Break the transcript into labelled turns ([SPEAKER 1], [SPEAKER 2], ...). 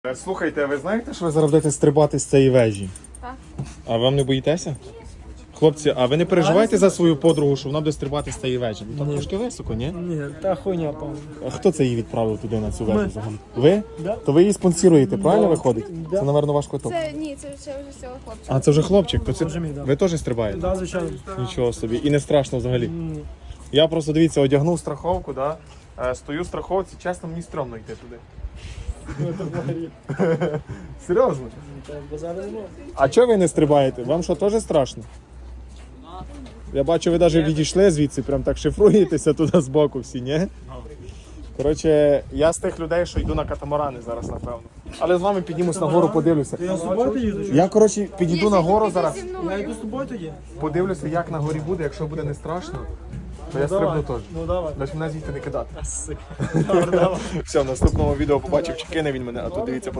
[SPEAKER 1] Слухайте, а ви знаєте, що ви зараз будете стрибати з цієї вежі?
[SPEAKER 2] Так.
[SPEAKER 1] А вам не боїтеся? Хлопці, а ви не переживаєте за свою подругу, що вона буде стрибати з цієї вежі? Ну, там трошки високо, ні?
[SPEAKER 3] Ні, та хуйня, певно.
[SPEAKER 1] А хто це її відправив туди на цю вежу взагалі? Ви?
[SPEAKER 3] Да.
[SPEAKER 1] То ви її спонсоруєте, правильно виходить?
[SPEAKER 3] Да.
[SPEAKER 1] Це, напевно, ваш квиток.
[SPEAKER 2] Це ні, це вже цього хлопчика.
[SPEAKER 1] А це вже хлопчик, то це
[SPEAKER 3] Вже мій, да.
[SPEAKER 1] ви теж стрибаєте?
[SPEAKER 3] Да, звичайно.
[SPEAKER 1] Нічого собі. І не страшно взагалі.
[SPEAKER 3] Ні.
[SPEAKER 1] Я просто, дивіться, одягнув страховку, да? Стою в страховці, чесно, мені стрьомно йти туди. Серйозно? А чого ви не стрибаєте? Вам що, теж страшно? Я бачу, ви навіть відійшли звідси, прям так шифруєтеся туди збоку всі, ні? Коротше, я з тих людей, що йду на катамарани зараз, напевно. Але з вами піднімусь на гору, подивлюся.
[SPEAKER 3] Я з тобою їду?
[SPEAKER 1] Я, коротше, підійду на гору зараз,
[SPEAKER 2] Зі
[SPEAKER 3] Я
[SPEAKER 2] мною.
[SPEAKER 3] йду з тобою тоді?
[SPEAKER 1] подивлюся, як на горі буде. Якщо буде не страшно, то я стрибну теж.
[SPEAKER 3] Ну давай.
[SPEAKER 1] Лиш мене звідти не кидати.
[SPEAKER 3] Добре, давай.
[SPEAKER 1] Все, в наступному відео побачив, чи кине він мене, а тут дивіться.